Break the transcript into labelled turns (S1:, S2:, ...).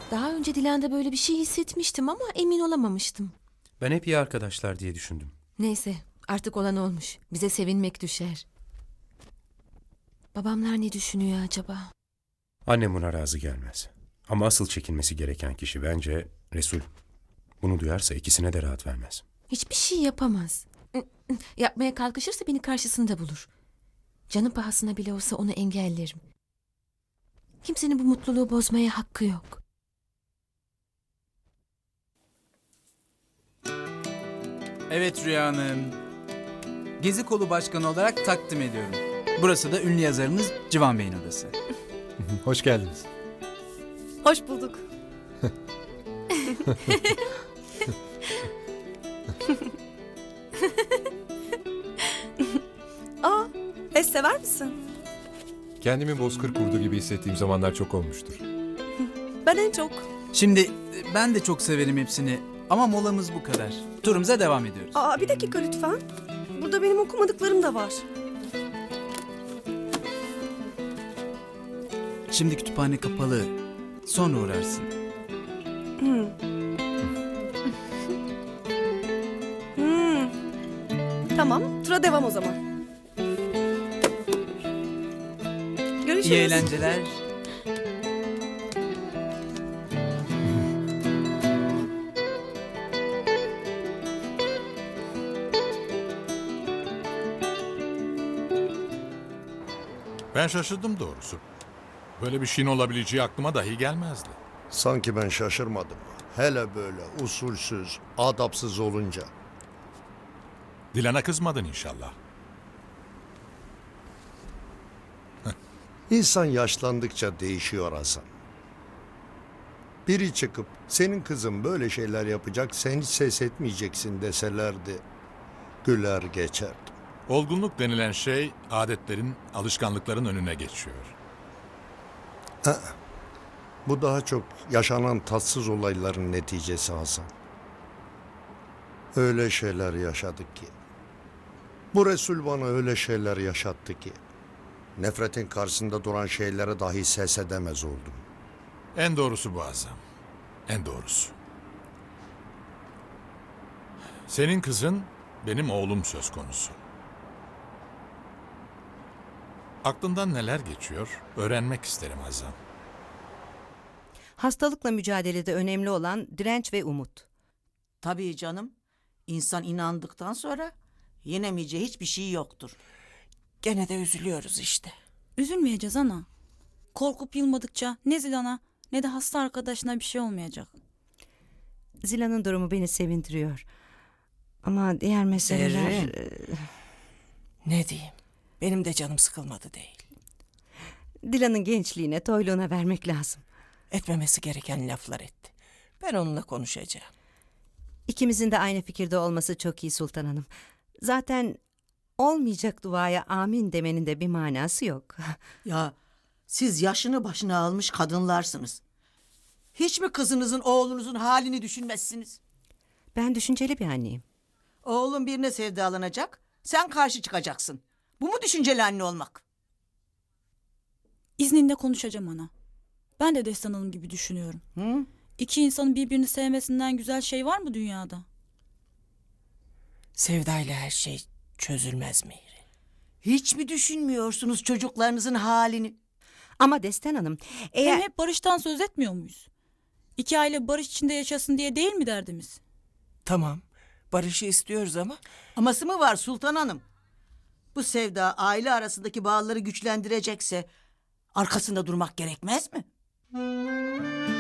S1: Daha önce Dilan'da böyle bir şey hissetmiştim ama emin olamamıştım.
S2: Ben hep iyi arkadaşlar diye düşündüm.
S1: Neyse, artık olan olmuş. Bize sevinmek düşer. Babamlar ne düşünüyor acaba?
S2: Annem buna razı gelmez. Ama asıl çekinmesi gereken kişi bence Resul. Bunu duyarsa ikisine de rahat vermez.
S1: Hiçbir şey yapamaz. Yapmaya kalkışırsa beni karşısında bulur. Canım pahasına bile olsa onu engellerim. Kimsenin bu mutluluğu bozmaya hakkı yok.
S3: Evet Rüya Hanım. Gezi Kolu Başkanı olarak takdim ediyorum. Burası da ünlü yazarımız Civan Bey'in odası.
S4: Hoş geldiniz.
S5: Hoş bulduk. Aa, pes sever misin?
S4: Kendimi bozkır kurdu gibi hissettiğim zamanlar çok olmuştur.
S5: Ben en çok.
S3: Şimdi ben de çok severim hepsini ama molamız bu kadar. Turumuza devam ediyoruz.
S5: Aa, bir dakika lütfen. Burada benim okumadıklarım da var.
S3: Şimdi kütüphane kapalı. Sonra uğrarsın.
S5: Hmm. Tamam, tura devam o zaman. Görüşürüz.
S3: İyi eğlenceler.
S6: Ben şaşırdım doğrusu. Böyle bir şeyin olabileceği aklıma dahi gelmezdi.
S7: Sanki ben şaşırmadım. Hele böyle usulsüz, adapsız olunca.
S6: Dilan'a kızmadın inşallah.
S7: İnsan yaşlandıkça değişiyor Hasan. Biri çıkıp senin kızın böyle şeyler yapacak, sen hiç ses etmeyeceksin deselerdi. Güler geçerdim.
S6: Olgunluk denilen şey adetlerin, alışkanlıkların önüne geçiyor.
S7: Bu daha çok yaşanan tatsız olayların neticesi Hasan. Öyle şeyler yaşadık ki. Bu Resul bana öyle şeyler yaşattı ki. Nefretin karşısında duran şeylere dahi ses edemez oldum.
S6: En doğrusu bu Azam. En doğrusu. Senin kızın benim oğlum söz konusu. Aklından neler geçiyor öğrenmek isterim Azam.
S8: Hastalıkla mücadelede önemli olan direnç ve umut.
S9: Tabii canım. İnsan inandıktan sonra yenemeyeceği hiçbir şey yoktur. Gene de üzülüyoruz işte.
S10: Üzülmeyeceğiz ana. Korkup yılmadıkça ne Zilan'a ne de hasta arkadaşına bir şey olmayacak.
S8: Zila'nın durumu beni sevindiriyor. Ama diğer meseleler...
S9: Zerrin. Ne diyeyim? Benim de canım sıkılmadı değil.
S8: Dilan'ın gençliğine, toyluğuna vermek lazım.
S9: Etmemesi gereken laflar etti. Ben onunla konuşacağım.
S8: İkimizin de aynı fikirde olması çok iyi Sultan Hanım. Zaten olmayacak duaya amin demenin de bir manası yok.
S9: Ya siz yaşını başına almış kadınlarsınız. Hiç mi kızınızın, oğlunuzun halini düşünmezsiniz?
S8: Ben düşünceli bir anneyim.
S9: Oğlum birine sevdalanacak, sen karşı çıkacaksın. Bu mu düşünceli anne olmak?
S10: İzninle konuşacağım ana. Ben de Destan Hanım gibi düşünüyorum.
S9: Hı?
S10: İki insanın birbirini sevmesinden güzel şey var mı dünyada?
S9: Sevdayla her şey çözülmez Mihri. Hiç mi düşünmüyorsunuz çocuklarınızın halini?
S8: Ama Destan Hanım, eğer...
S10: Hem hep barıştan söz etmiyor muyuz? İki aile barış içinde yaşasın diye değil mi derdimiz?
S9: Tamam, barışı istiyoruz ama... Aması mı var Sultan Hanım? Bu sevda aile arasındaki bağları güçlendirecekse... arkasında durmak gerekmez mi?